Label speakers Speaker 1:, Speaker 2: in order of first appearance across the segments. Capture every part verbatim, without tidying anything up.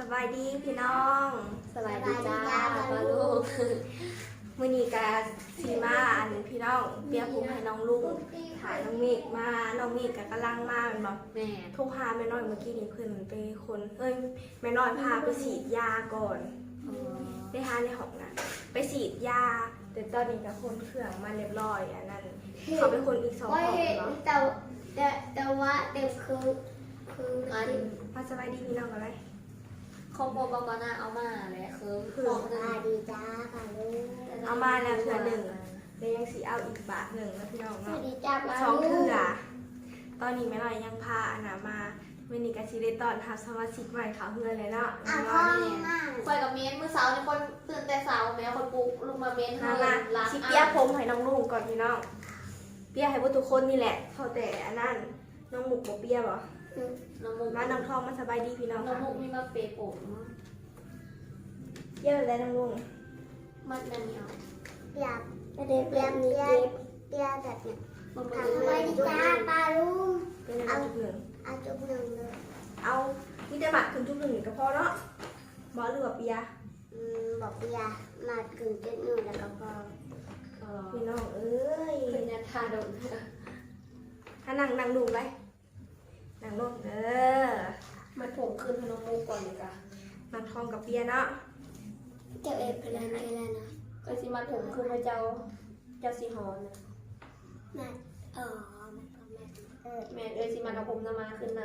Speaker 1: บายดีพี่น้อง
Speaker 2: สบายดีจ้าป้าลูก
Speaker 1: มื้อนี้กาซีมาอันพี่น้องเปียผมให้น้องลุงถ่ายน้องเมฆมาน้องเมฆก็กำลังมาเป็นบ่
Speaker 2: แม่
Speaker 1: โทรหาแม่น้อยเมื่อกี้นี้เพิ่นไปคนเอ้ยแม่น้อยพาไปฉีดยาก่อนได้หาในห้องน่ะไปฉีดยาแต่ตอนนี้ก็คนเครื่องมาเรียบร้อยอันนั้นเขาเป็นคนอีกสองห้องเนาะ
Speaker 3: แต่แต่แต่ว่าเด็กคือคืออัน
Speaker 1: มาสบายดีพี่น้องกันเลย
Speaker 2: คอมโบปกรณ์เอามาแล้วคือ
Speaker 1: คือ
Speaker 2: ของหนึ่ง
Speaker 3: ดีจ้าค่ะลูก
Speaker 1: เอามาแล้วเทื่อหนึ่งเดี๋ยวยังสีเอาอีกบาทหนึ่งนะพี่น้อง
Speaker 3: สวั
Speaker 1: เนาะ
Speaker 3: สดีจ้าป้า
Speaker 1: สอง
Speaker 3: ลู
Speaker 1: เทื่
Speaker 3: ก
Speaker 1: อตอนนี้แม่ลอยยังพาอันนามาเมนิกาชิเดตอนทับสมาชิกใหม่เขาเพื่อนเลยเนาะ
Speaker 3: อ่ะ
Speaker 1: แม่
Speaker 3: พ่อ
Speaker 1: ลอย
Speaker 3: มีมาก
Speaker 2: คอยกับเมนเมื่อเช้านี่คนตื่นแต่เช้าแม่คนปลุกลุกมาเมน
Speaker 1: มามา
Speaker 2: ล้าง
Speaker 1: ชิเปียผมให้น้องลุงก่อนพี่น้องเปียให้พวกทุกคนนี่แหละเท่าแต่อันนั้นน้องหมุกบ่เปียบ่
Speaker 2: น้องมุก
Speaker 1: มาน้องทองมาสบายดีพี่น้อง
Speaker 2: น้อง
Speaker 1: ค่ะ
Speaker 2: มุกมีมาเปย์ผม
Speaker 1: เปียอะไรน้องลุง
Speaker 2: มัดนั่นนี่เอา
Speaker 3: เปียกเด็กเปียกเปียกเปียกแบบเนี้ย
Speaker 2: มัน
Speaker 3: สวัสดีจ้าป้าลูก
Speaker 1: เป็นอะไรจุดหนึ่ง
Speaker 3: เอาจุกหนึ่งเลย
Speaker 1: เอานี่ได้หมักถึงจุดหนึ่งก็พอเนาะบ่หรือว่าเปีย
Speaker 3: อืมบอกเปียกมากึ่งจุดหนึ่งแล้วก็พอ
Speaker 1: พี่น้องเอ้ย
Speaker 2: เป็นยันทาดม
Speaker 1: ถ้านั่งนั่งดูไปนั่งลงเออ
Speaker 2: มัดผมขึ้นให้น้องมุกก่อนเลยจ้ะ
Speaker 1: น้องทองกับเปียเนาะ
Speaker 3: เจ้าเอ็ดเป็นอะไรแล้วนะ
Speaker 2: ก็สิมัดผมขึ้นให้เจ้าเจ้าสีหอนนะ
Speaker 3: มาอ๋อมันก็แม่เออ
Speaker 2: แม่เอ้ยสิมัดเอาผมจะมาขึ้นน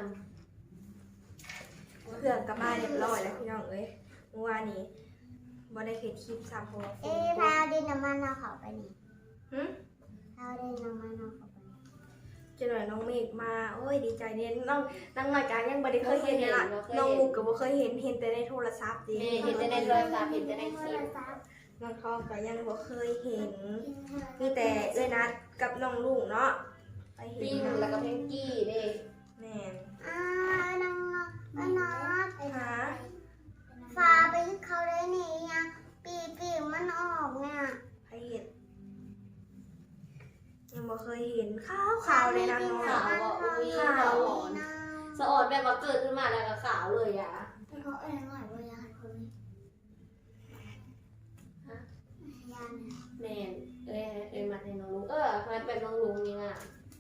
Speaker 1: เครื่องกลับบ้านเรียบร้อยแล้วพี่น้องเอ้ยเมื่อวานนี้บ่ได้เฮ็ดคลิปซ้ำเพราะว่าฝ
Speaker 3: เอ๊
Speaker 1: นต
Speaker 3: พาก ดินน้ำมันเอาเขาไปนี่
Speaker 1: หึ
Speaker 3: พาดินน้ำมันเอาเขาไปนี่
Speaker 1: จะหน่อยน้องเมฆมาโอ้ยดีใจเด่นน้องน้องรายการยังบ่ได้เคยเห็นเลยล่ะน้องมุกก็บ่เคยเห็นเห็นแต่ในโทรศัพท์
Speaker 2: ำ
Speaker 1: ดิ
Speaker 2: แม่เห็นแต่ในโทรศัพท์เห็นแต่ในคลิป
Speaker 1: น้องทองก็ยังบ่เคยเห็นมีแต่เอ้ยนัดกับน้องลุงเนาะไปเห็
Speaker 2: ปิ้
Speaker 1: น
Speaker 2: งแล้วก็เพงกี้เด้
Speaker 1: แม่น
Speaker 3: อ่าน้องน้องน้อง
Speaker 1: หา
Speaker 3: ฟ้าไปเขาเลยนี่ยังปีปีมันออกเนี่ย
Speaker 1: ไปเห็นยังบ่เคยเห็นขาวขาวเลยนะน้อง
Speaker 2: ขาวอ่ะอุ้ย
Speaker 1: ขาว
Speaker 2: ขาวอ่อนสะออนแบบว่าเกิดขึ้นมาแล้วก็ขาวเลยอ่ะ
Speaker 3: แต่เขาเอ็นหน่อยว่าอยากคนนี้ยัน
Speaker 2: แม่นเอ้ยเอ้ยมาในน้องลุงเออมาแบบน้องลุงนี่อ่ะ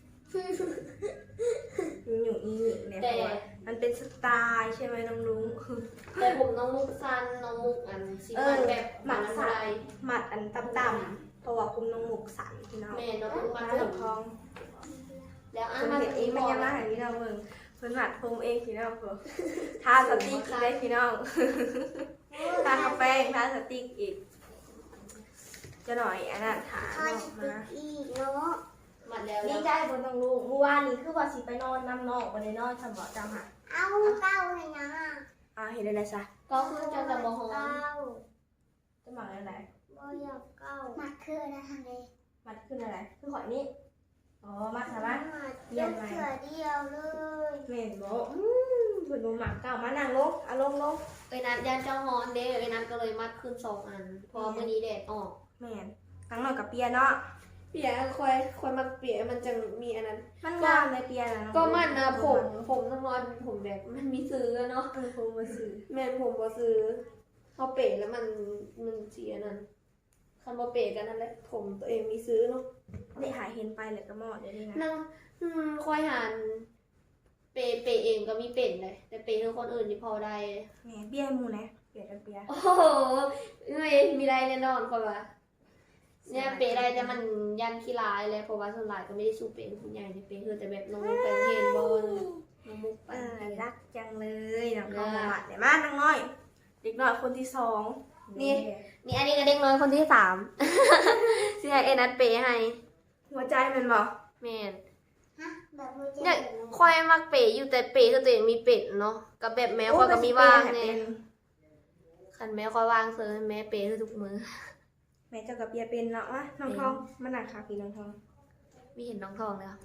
Speaker 1: มีอยู่อีกเนี่ยเพราะว่ามันเป็นสไตล์ใช่ไหมน้องลุง
Speaker 2: แต่ผมน้องมุกสั้นน้องมุกอันสีมันแบบหมันอะไร
Speaker 1: หมัดอันต่ำๆเพราะว่าคุมน้องหมกสันพี่น้อง
Speaker 2: แม่น้องมุก
Speaker 1: มา
Speaker 2: มา
Speaker 1: ถึ
Speaker 2: ถึ
Speaker 1: ง
Speaker 2: ง
Speaker 1: ทอง
Speaker 2: แล้วอ่ะ
Speaker 1: คน
Speaker 2: มา
Speaker 1: เห็นเองไม่ยังมาหาพี่น้องเบิ่งเพิ่นหมัดผมเองพี่น้องเพิ่นทาสติ๊กอีกได้พี่น้องทากาแฟทาสติ๊กอีกจะหน่อยอันนั้นถาม
Speaker 3: คอย
Speaker 1: ออก
Speaker 3: ติ
Speaker 1: มา
Speaker 3: ดอีกเนาะ
Speaker 2: มันแล้ว
Speaker 1: ดีใจบนน้องลุงเมื่อวานนี้คือว่าสิไปนอนน้ำนอกบ่ได้นอนฉันบอกจำหา
Speaker 3: เอาเก้าเลยนะ
Speaker 1: อ่าเห็นได้แล้วซะ
Speaker 2: ก็คือจะจะมอง
Speaker 3: เก้า
Speaker 1: จะหมักอะไร
Speaker 3: บ่อยากเก้ามาคืออะไรทะเล
Speaker 1: มัดขึ้นอะไรคือขอยนี้อ๋อมัดใช่ไหม
Speaker 3: มาเดียวเสือเดียวเลย
Speaker 1: เห็นบอกอืมเพิ่นบ่หมักเก่ามานั่งลงอ่ะลงลง
Speaker 2: เอ้ยนัดยันเจ้าฮอนเด้เอ้ยนัดก็เลยมัดขึ้นสองอันเพราะมื่อนี้แดดออก
Speaker 1: แม่นตั้งหน่อยกับเปียเนาะ
Speaker 2: เปียคอยคอยมาเปียมันจะมีอันนั้น
Speaker 1: มันงามเลยเปียนะ
Speaker 2: ก็มันนะผมผมต้องนอนผมแบบมันมีซื้อเนาะ
Speaker 1: เออผมมาซื้อ
Speaker 2: แม่นผมบ่ซื้อเขาเป๋แล้วมันมันเสียนั่นคันบ่เป๋กันนั่นแหละผมตัวเองมีซื้อเนาะ
Speaker 1: ได้หาเห็นไปเลยก็หมอดเดี๋ยวนี้นะ
Speaker 2: นั่งอืมคอยหันเป๋เป๋เองก็มีเป็นเลยแต่เป๋คือคนอื่นที่พอได้
Speaker 1: แหมเปียหมูนะเปียกับเปีย
Speaker 2: โอ้โหเอ้ยมีได้แน่นอนกว่าเนี่ยเป๋ได้แต่มันยันขี้ร้ายเลยเพราะว่าส่วนหลายก็ไม่ได้สู้เป๋คุณใหญ่ในเป๋คือแต่แบบน้องมุกไปเห็นบอลน้องมุกไป
Speaker 1: เออรักจังเลยน้องทองมาหมัดเนี่ยมาน้องน้อย เด็กน้อยคนที่สอง
Speaker 2: นี่อันนี้ก็เด็กน้อยคนที่สาม สิให้เอ็นัดเป๋ให้
Speaker 1: หัวใจมันบอก
Speaker 2: แม่น
Speaker 3: ฮะแบบมือเจ็
Speaker 2: เนี่ย
Speaker 3: บ
Speaker 2: คอยมักเป๋อยู่แต่เป๋คือตัวเองมีเป็ดเนาะกับแบบแมวคอยก็มีว่างเนี่ยคันแมวคอยว่างเซิร์แม่เป๋คือทุกมือ
Speaker 1: แม่เจ้ากับเปียเป็นเนาะวะน้องทองมันหนักค่ะพี่น้องทอง
Speaker 2: มีเห็นน้องทองเลยค่ะ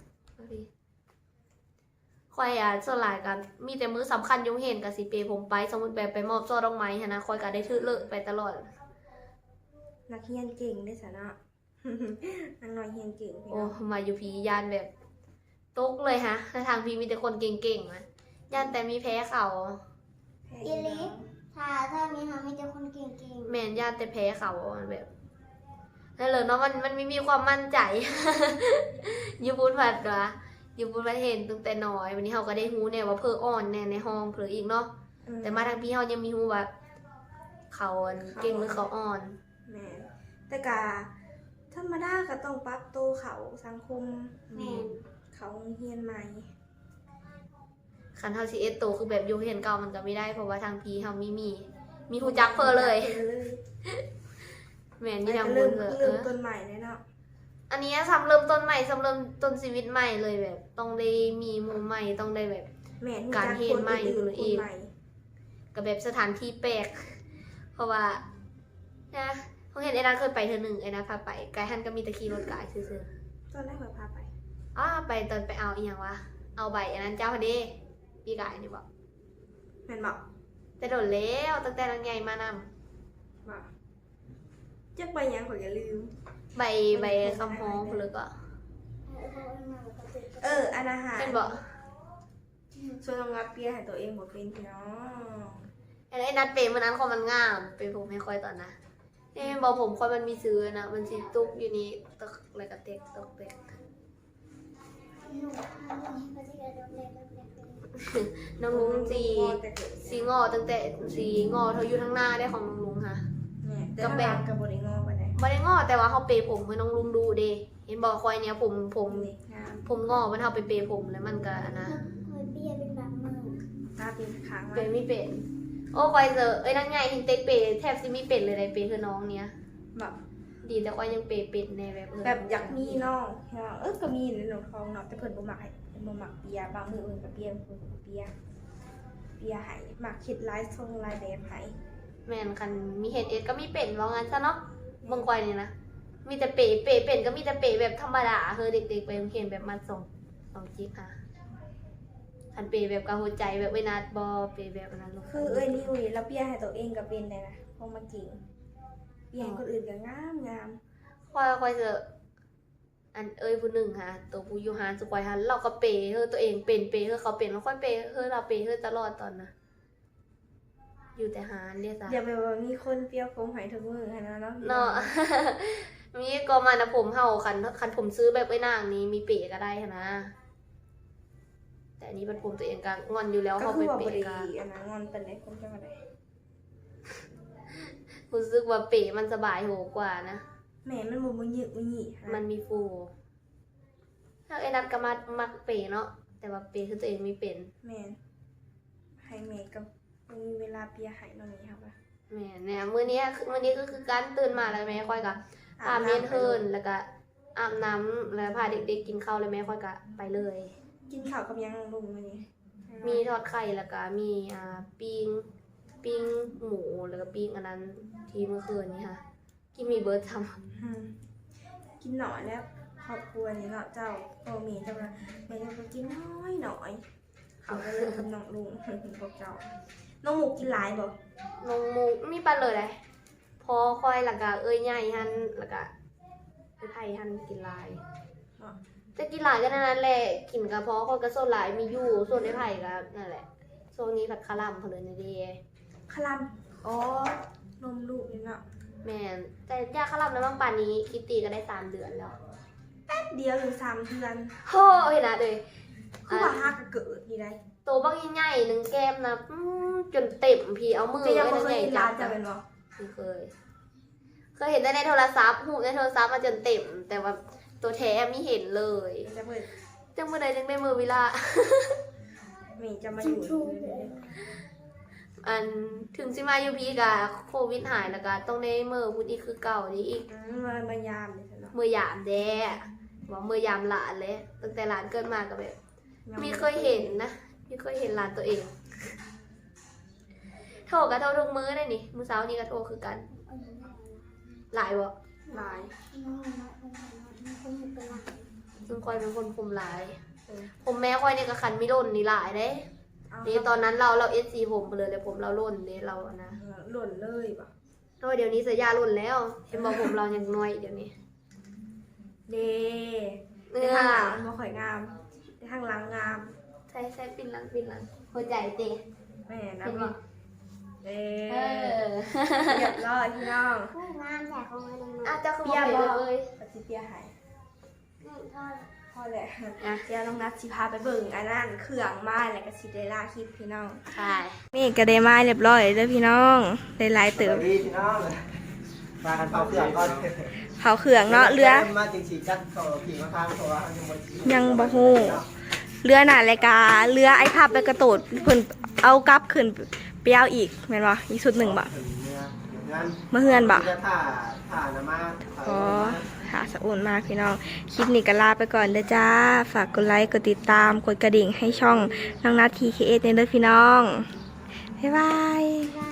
Speaker 2: คอยอ่ะส่วนหลายกันมีแต่มือสำคัญยงเห็นกับสิเปผมไปสมมติแบบไปมอบช่อดอกไม้นะคอยก็ได้ทื่อเลอะไปตลอด
Speaker 1: นักเรียนเก่งได้สาระ น้องน้อยเรียนเก่งพี่
Speaker 2: โอ้
Speaker 1: น้อง
Speaker 2: มาอยู่พียานแบบตกเลยฮะในทางพีมีแต่คนเก่งๆนะยานแต่มีแพ้เขา
Speaker 1: แพ้อีกแล้ว
Speaker 3: ถ้าถ้ามีหามีแต่คนเก่ง
Speaker 2: แม่นญาติแต่แพ้เขาอะแบบนั่นเลยเนาะมันมันไม่มีความมั่นใจ อยู่บุญผัดวะอยู่บุญผัดเห็นตั้งแต่น้อยวันนี้เขาก็ได้ฮู้แน่ว่าเพออ่อนแน่ในห้องเพออีกเนาะ
Speaker 1: อื
Speaker 2: แต่มาทางพี่เขายังมีฮู้ว่าเขาอันเก่งหรือเขาอ่อน
Speaker 1: แม่นแต่กะธรรมดาก็ต้องปรับตัวเขาสังคม
Speaker 3: ๆแม่น
Speaker 1: เขาเฮียนใหม่
Speaker 2: คันเฮาสิเอ็ดโตคือแบบอยู่เห็นเก่ามันก็ไม่ได้เพราะว่าทางพี่เฮามีมี มีฮู้จักเพอเลย
Speaker 1: เลย
Speaker 2: แม่นอยู่ทางบุ
Speaker 1: เริ่
Speaker 2: ญ
Speaker 1: ม
Speaker 2: เลยเอ
Speaker 1: เริ่ม
Speaker 2: อ
Speaker 1: ต้นใหม่เลยเนาะ
Speaker 2: อันนี้ซ้ำเริ่มต้นใหม่ซ้ำเริ่มต้นชีวิตใหม่เลยแบบ ต้องได้มีหมู่ใหม่ต้องได้แบบ
Speaker 1: แม่น
Speaker 2: การเฮียนใหม่
Speaker 1: คน
Speaker 2: เลยอี
Speaker 1: อื่น
Speaker 2: ก
Speaker 1: คนใหม่
Speaker 2: กับแบบสถานที่แปลก เพราะว่านะเขาเห็นไอ้นัทเคยไปเธอหนึ่งไอ้นัทพาไปไกด์ฮันก็มีแตะขี่รถกายซื่อ
Speaker 1: ตอนแรกเราพาไป
Speaker 2: ๆอ้าไปตอนไปเอาอีหยังวะเอาใบอันนั้นเจ้าพอดีพี่กายนี่บอก
Speaker 1: แม่นบอก
Speaker 2: แต่โดนแล้วตั้งแต่นังใหญ่มาน
Speaker 1: บอกจักไปยังขอยอย่าลืม
Speaker 2: ำใบใบคำฮ้องหรือก็
Speaker 1: เอออันอาหาร
Speaker 2: เป็นบอก
Speaker 1: ส่วนน้องงับเปียให้ตัวเองบอกเป็นพี่น้อง
Speaker 2: ไอ้นัทเป็นมันนั้นคอมันงามเป็นผมไม่ค่อยตอนนะเอ้บอกผมคอยมันมีซื้อนะมันสีตุ๊กอยู่นี่ตกอะไรกับเต็กตกเต็ก
Speaker 3: หนูอันนี้ก็จะกระโดดเล่นเล่นเล่นเล่น
Speaker 2: น้องลุงสี
Speaker 1: แต่เกิด
Speaker 2: สีงอตั้งแต่สีงอเธออยู่ทั้งหน้าได้ของน้องลุงค่ะ
Speaker 1: แม่แต่ถ้าแบบกับบริงอไปไหน
Speaker 2: ไม่ได้งอแต่ว่าเขาเปย์ผมให้น้องลุงดูเดเห็นบอกคอยเนี้ยผมผม
Speaker 1: นี่งาม
Speaker 2: ผมงอมันเอาไปเปย์ผมแล้วมันก็อันนะ
Speaker 3: เคยเบี้ยเป็นแบบมือ
Speaker 1: ตาเป็นค้าง
Speaker 2: เปย์ไม่เป็นโอ้คอยเจอเอ้ยนั่นไงทิงเต็กเปย์แทบจะไม่เป็นเลยในเปย์คือน้องเนี้ย
Speaker 1: แบบ
Speaker 2: ดีแต่คอยยังเปย์เป็นในแบบเออ
Speaker 1: แบบอยากมีน้องเออก็มีในหนองทองเนาะแต่เพิ่นบ่มักให้เพิ่นบ่มักเปียบางมือเพิ่นก็เปียเพิ่นก็เปียเปียให้มักคิดลายทรงลายแบบให้
Speaker 2: แม่นคันมีเห็ดเอ็ดก็มีเป็นว่างั้นซะเนาะบางคอยนี่นะมีแต่เปย์เปย์เป็นก็มีแต่เปย์แบบธรรมดาเฮ้ยเด็กๆไปโรงเรียนแบบมาส่งสองจิ๊กค่ะคันเปย์แบบกระหัวใจแบบเวนาดบอเปย์แบบนั้นลูก
Speaker 1: คือเอ้ยนี่อุ้ยแล้วเปียให้ตัวเองก็เป็นได้นะเพราะมาจริงเปียให้คนอื่นก็งามงาม
Speaker 2: คอยคอยเจออันเอ้ยผู้หนึ่งค่ะตัวผู้อยูฮานสุกอยฮันเราก็เปย์เฮ้ยตัวเองเป็นเปย์เฮ้ยเขาเป็นแล้วค่อยเปย์เฮ้ยเราเปย์เฮ้ยตลอดตอนนะอยู่แต่ฮานเนี่ยจ้ะ
Speaker 1: อย่าไปว่ามีคนเปียผมให้ทุกมื้อให้นะเนาะ
Speaker 2: เนาะ มีก็มานะผมเห่าคันคันผมซื้อแบบไอ้นางนี้มีเปย์ก็ได้นะแต่อันนี้เป็นผมตัวเองก็งอนอยู่แล้ว
Speaker 1: ก็
Speaker 2: เขา
Speaker 1: คื
Speaker 2: ไป
Speaker 1: อว่า
Speaker 2: เป
Speaker 1: บ่
Speaker 2: ย์
Speaker 1: ได้
Speaker 2: กัน
Speaker 1: อันนั้นงอนเป็นได้คนจังได๋
Speaker 2: รู้สึกว่าเปย์มันสบายโหกว่านะ
Speaker 1: แม่มันบ่บ่หยึกบ่หยิ
Speaker 2: มันมีฟูถ้าไอ้นัดก็มามักเปย์เนาะแต่ว่าเปย์คือตัวเองไม่เป็น
Speaker 1: แม่นให้แม่ก็บ่มีเวลาเปียให้น้องนี่ครับว่า
Speaker 2: แม่เนี่ยมื้อนี้คือมื้อนี้ก็คือการตื่นมาแล้วแม่ค่อยก็อาบเมนเฮินแล้วก็อาบน้ำแล้วพาเด็กๆกินข้าวแล้วแม่ค่อยก็ไปเลย
Speaker 1: กินข้าวกับยังลุงมื้อนี้
Speaker 2: มีทอดไข่แล้วก็มีอ่าปิ้งปิ้งหมูแล้วก็ปิ้งอันนั้นที่เมื่อคืนนี้ค่ะกินมีเบิร์ดท
Speaker 1: อืมกินหน่อยแล้วครอบครัวนี้เนาะเจ้าพ่อแม่เจ้าว่าแม่จะกินน้อยหน่อยเขาก็เลยกับน้องลุงพวกเจ้าน้องหมูกินหลายบ่
Speaker 2: ำนมหมูมีปลาเลยเลยพอค่อยแล้วก็เอ้ยใหญ่หันแล้วก็เอ้ยไผ่หันกินหลาย
Speaker 1: เนาะ
Speaker 2: จะกินหลายก็นั่นแหละกินกระเพาะคนก็โซนหลายมีอยู่ส่วนไอ้ไผ่ก็นั่นแหละโซนนี้ผัดคาร่ำเพลินดี
Speaker 1: คลำอ๋อนมลูกนี่เนาะ
Speaker 2: แม่นแต่ยาคาร่ำแล้วบางป่านนี้คิตตี้ก็ได้สามเดือนแล้ว
Speaker 1: แป๊บเดียวอยู่สามเดือน
Speaker 2: โอ้เห็นนะเลย
Speaker 1: คือว่าฮักก็เกิดนี่ได้
Speaker 2: โตบักใหญ่ๆหนึ่งแก้มนะอื้อจนเต็มพี่เอามือ
Speaker 1: จะยัง
Speaker 2: ไว้
Speaker 1: บ่
Speaker 2: ใน
Speaker 1: เค
Speaker 2: ให
Speaker 1: ย
Speaker 2: ญ่
Speaker 1: เห็น
Speaker 2: จั
Speaker 1: ร้า
Speaker 2: บ
Speaker 1: นจะเป็นบ่
Speaker 2: ไม่เคย เคยเห็นแต่ในโทรศัพท์หูในโทรศัพท์มาจนเต็ม แต่ว่าตัวแท้ไม่เห็นเลย
Speaker 1: จะเปิด
Speaker 2: จังเมื่อใดจังได้มือวิลา
Speaker 1: แม่จะมาอยู่นี่เลย
Speaker 2: อันถึงสิมาอยู่พี่กับโควิดหายแล้วก็ต้องได้มือพูดอีกคือเก่านี้อีก
Speaker 1: อืมมามายามเลยเนาะ
Speaker 2: มือยามแด้บอกมือยามหลานเลยตั้งแต่หลานเกิดมาก็แบบมีเคยเห็นนะมีเคยเห็นหลานตัวเอง โทรกับโทรทุกมื้อได้นี่มื้อเช้านี้ก็โทรคือกัน หลายวะ
Speaker 1: หลาย
Speaker 3: น้องน้องน้องน้องคนอยู่เป็นหลัก
Speaker 2: ซึ่งคอยเป็นคนคุมหลาย
Speaker 1: เออ
Speaker 2: ผมแม่คอยเนี่ยก็คันไม่ร่นนี่หลายเด้
Speaker 1: เอา
Speaker 2: นี่ตอนนั้นเราเราเอสซีผมไปเลยเลยผมเราร่นเด้เราอะนะ
Speaker 1: หล่นเลยป่ะ
Speaker 2: โอ้ยเดี๋ยวนี้เสียยาร่นแล้วเห็นบอกผมเรายังน้อยเดี๋ยวนี้
Speaker 1: เด้
Speaker 2: เนื้
Speaker 1: ใน
Speaker 2: อ
Speaker 1: ทางหลังมันบ่ค่อยงามในทางหลังงาม
Speaker 2: ใช่ใช่ปินหลังปินหลังหัวใจเตะ
Speaker 1: แม่นะ
Speaker 2: เห็น
Speaker 1: พี่
Speaker 2: ปะ
Speaker 1: เอ
Speaker 2: เอ
Speaker 1: อ
Speaker 2: อ
Speaker 1: เรียบร้อยพี่น้อง
Speaker 3: ผู้งามแต่ของมัน
Speaker 2: อาจจะคือบ่เป็นเลย
Speaker 1: ปฏิเปียหาย
Speaker 3: นี่ทอด
Speaker 1: พอแหละ
Speaker 2: อ่ะ
Speaker 1: เดี๋ยวน้องนัดสิพาไปเบิ่งอันนั้นเครื่องไม้แล้วก็สิได้ล่าคลิปพี่น้อง
Speaker 2: ใช่
Speaker 1: นี่ก็ได้ไม้เรียบร้อยเด้อพี่น้องได้หลายเติม
Speaker 4: ดีพี่น้องมากันเผาเครื่องก่อน
Speaker 1: เผาเครื่องเนาะเรือ
Speaker 4: มาจริงสีจัดต่อผีมาทางตัวยังบ่
Speaker 1: ยังบ่ฮู้ เรือหน่ะรายการเรือไอ้พับไปกระโดดเพิ่นเอากลับขึ้นไปเอาอีกแม่นบ่อีกชุดหนึ่งบ่ เมื่อเฮือนบ่
Speaker 4: จะถ่าถ่านะมา
Speaker 1: อ๋อหาสะอุ่นมากพี่น้อง คลิปนี้ก็ลาไปก่อนเด้อจ้า ฝากกดไลค์ กดติดตาม กดกระดิ่งให้ช่องน้องนัททีเคเอสเด้อพี่น้อง บ๊ายบาย
Speaker 3: ได้